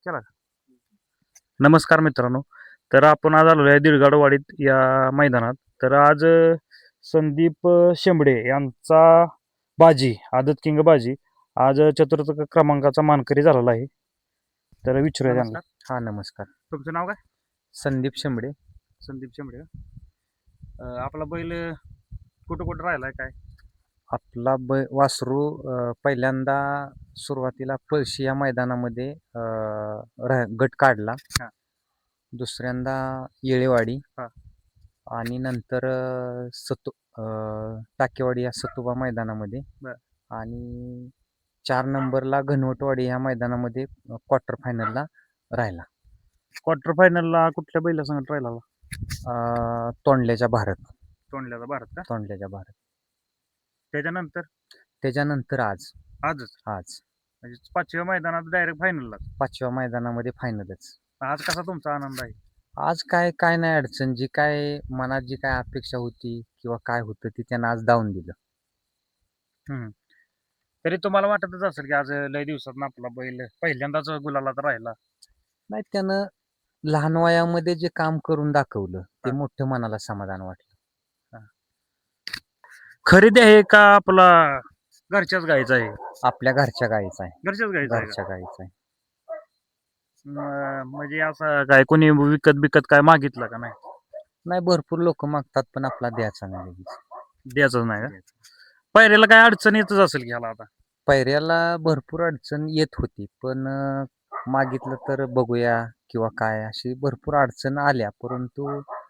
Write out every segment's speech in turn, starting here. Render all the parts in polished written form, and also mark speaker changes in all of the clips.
Speaker 1: चला. नमस्कार मित्रांनो. तर आपण आज आलेलो आहे दिडगाडवाडीत या मैदानात. तर आज संदीप शेंबडे यांचा बाजी, आदत किंग बाजी आज चतुर्थ क्रमांकाचा मानकरी झालेला आहे. तर विचारूया त्यांना.
Speaker 2: हा नमस्कार.
Speaker 1: तुमचं नाव काय?
Speaker 2: संदीप शेंबडे.
Speaker 1: संदीप शेंबडे का? आपला बैल कुठं कुठं राहिलाय काय?
Speaker 2: आपला वासरू पहिल्यांदा सुरुवातीला पळशी या मैदानामध्ये गट काढला.
Speaker 1: हा.
Speaker 2: दुसऱ्यांदा येळेवाडी
Speaker 1: हा.
Speaker 2: आणि नंतर टाकेवाडी या सतुबा मैदानामध्ये
Speaker 1: बर.
Speaker 2: आणि 4 नंबरला घनवटवाडी या मैदानामध्ये क्वार्टर फायनलला राहिला.
Speaker 1: क्वार्टर फायनलला कुठल्या बैला संगत राहिला?
Speaker 2: तोंडल्याच्या भारत.
Speaker 1: तोंडल्याचा भारत का?
Speaker 2: तोंडल्याच्या भारत.
Speaker 1: त्याच्यानंतर
Speaker 2: आजच
Speaker 1: म्हणजे 5व्या मैदानात डायरेक्ट फायनलला.
Speaker 2: 5व्या मैदानामध्ये फायनलच.
Speaker 1: आज कसा तुमचा आनंद आहे?
Speaker 2: आज काय नाही अडचण. जी काय मनात जी काय अपेक्षा होती किंवा काय होतं ती त्यानं आज दावून दिलं.
Speaker 1: तरी तुम्हाला वाटतच असेल की आज लय दिवसात आपला बैल पहिल्यांदाच गुलालात राहिला.
Speaker 2: नाही, त्यानं लहान वयामध्ये जे काम करून दाखवलं ते
Speaker 1: हा.
Speaker 2: मोठं मनाला समाधान वाटलं.
Speaker 1: खरेदी आहे का आपला घरच्याच गायचा आहे?
Speaker 2: आपल्या घरच्या गाईचा आहे.
Speaker 1: घरच्याच गायचा आहे का?
Speaker 2: घरच्या गाईचा आहे.
Speaker 1: म्हणजे असं काय कोणी विकत काय मागितलं का? नाही.
Speaker 2: नाही, भरपूर लोक मागतात पण आपला द्यायचा नाही लगेच.
Speaker 1: द्यायचंच नाही का? पायऱ्याला काय अडचण येतच असेल की ह्याला आता?
Speaker 2: पैऱ्याला भरपूर अडचण येत होती पण मागितलं तर बघूया किंवा काय अशी भरपूर अडचण आल्या, परंतु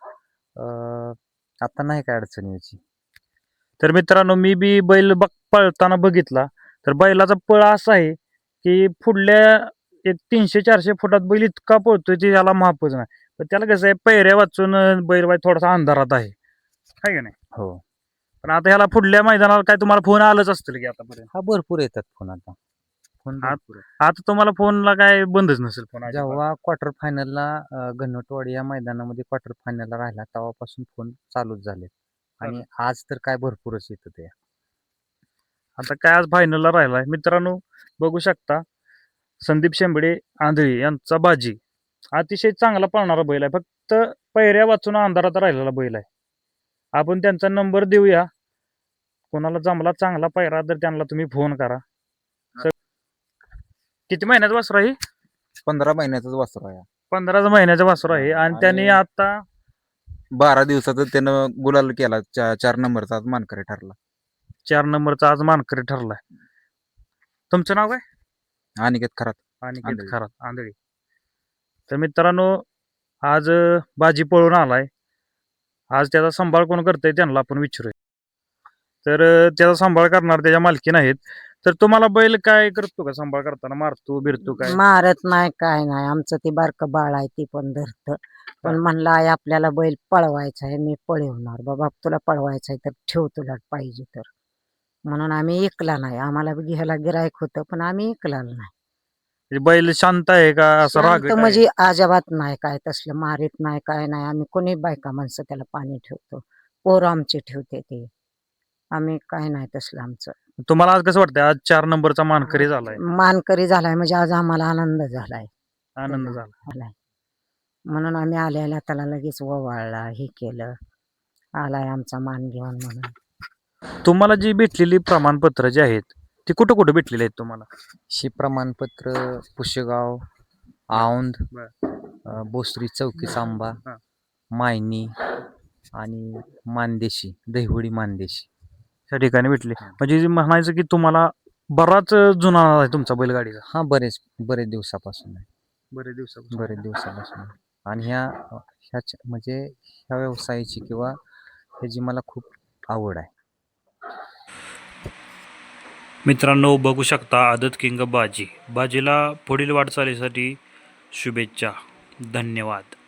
Speaker 2: आता नाही काय अडचण यायची.
Speaker 1: तर मित्रांनो, मी बी बैल पळताना बघितला तर बैलाचा पळ असा आहे की पुढल्या एक 300-400 फुटात बैल इतका पळतोय की त्याला मापच नाही. पण त्याला कसं आहे, पैऱ्या वाचून बैल बाई थोडासा अंधारात आहे का नाही?
Speaker 2: हो.
Speaker 1: पण आता ह्याला पुढल्या मैदानाला काय तुम्हाला फोन आलंच असतील की आतापर्यंत?
Speaker 2: हा, भरपूर येतात फोन आता. फोन भरपूर आहेत.
Speaker 1: आता तुम्हाला फोनला काय बंदच नसेल फोन?
Speaker 2: जेव्हा क्वार्टर फायनलला घनवटवाडी या मैदानामध्ये क्वार्टर फायनलला राहिला तेव्हापासून फोन चालूच झाले आणि आज तर काय भरपूरच येतं ते.
Speaker 1: आता काय आज फायनलला राहिलाय मित्रांनो, बघू शकता संदीप शेंबडे आंधळी यांचा बाजी अतिशय चांगला पळणारा बैल आहे. फक्त पैऱ्या वाचून अंधारात राहिलेला बैल आहे. आपण त्यांचा नंबर देऊया. कोणाला जमला चांगला पैरा तर त्यांना तुम्ही फोन करा. किती महिन्याचा वासरू आहे?
Speaker 2: 15 महिन्याचाच वासरू आहे.
Speaker 1: 15 महिन्याचा वासरू आहे आणि त्यांनी आता
Speaker 2: 12 दिवसाचा त्यानं गुलाल केला. 4 नंबरचा आज मानकरी ठरला.
Speaker 1: 4 नंबरचा आज मानकरी ठरलाय. तुमचं नाव काय?
Speaker 2: अनिकेत खरात.
Speaker 1: अनिकेत खरात, आंधळी. तर मित्रांनो, आज बाजी पळून आलाय. आज त्याचा सांभाळ कोण करतंय त्यांना आपण विचारूया. तर त्याचा सांभाळ करणार त्याच्या मालकीन आहेत. तर तुम्हाला बैल काय करतो का सांभाळ करताना? मारतो बिरतो काय?
Speaker 3: मारत नाही, काय नाही. आमचं ते बारकं बाळ आहे ती पण धरत. पण म्हणलं आई आपल्याला बैल पळवायचा आहे, मी पळवणार. बाबा तुला पळवायचा आहे तर ठेव, तुला पाहिजे तर. म्हणून आम्ही ऐकला नाही. आम्हाला घ्यायला गिरायक होतं पण आम्ही ऐकला नाही.
Speaker 1: बैल शांत आहे का असं राग?
Speaker 3: म्हणजे अजिबात नाही, काय तसलं मारित नाही, काय नाही. आम्ही कोणी बायका माणसं त्याला पाणी ठेवतो, पोरं आमचे ठेवते ते. आम्ही काय नाही तसलं आमचं.
Speaker 1: तुम्हाला आज कसं वाटतंय? आज 4 नंबरचा मानकरी झालाय.
Speaker 3: मानकरी झालाय म्हणजे आज आम्हाला आनंद झालाय.
Speaker 1: आनंद झाला.
Speaker 3: म्हणून आम्ही आल्याला त्याला लगेच ओवाळला, हे केलं, आलाय आमचा मान घेऊन म्हणून.
Speaker 1: तुम्हाला जी भेटलेली प्रमाणपत्र जी आहेत ती कुठं कुठं भेटलेली आहेत तुम्हाला?
Speaker 2: शी प्रमाणपत्र पुशेगाव, औंध, बोसरी चौकी सांबा, मायनी आणि मानदेशी, दहिवडी मानदेशी
Speaker 1: त्या ठिकाणी भेटले. म्हणजे म्हणायचं की तुम्हाला बराच जुना आहे तुमचा बैलगाडीचा?
Speaker 2: हा, बरेच दिवसापासून आहे.
Speaker 1: बरेच दिवसापासून.
Speaker 2: आणि म्हणजे ह्या व्यवसायाची किंवा ह्याची मला खूप आवड आहे.
Speaker 1: मित्रांनो, बघू शकता आदत किंग बाजीला पुढील वाटचालीसाठी शुभेच्छा. धन्यवाद.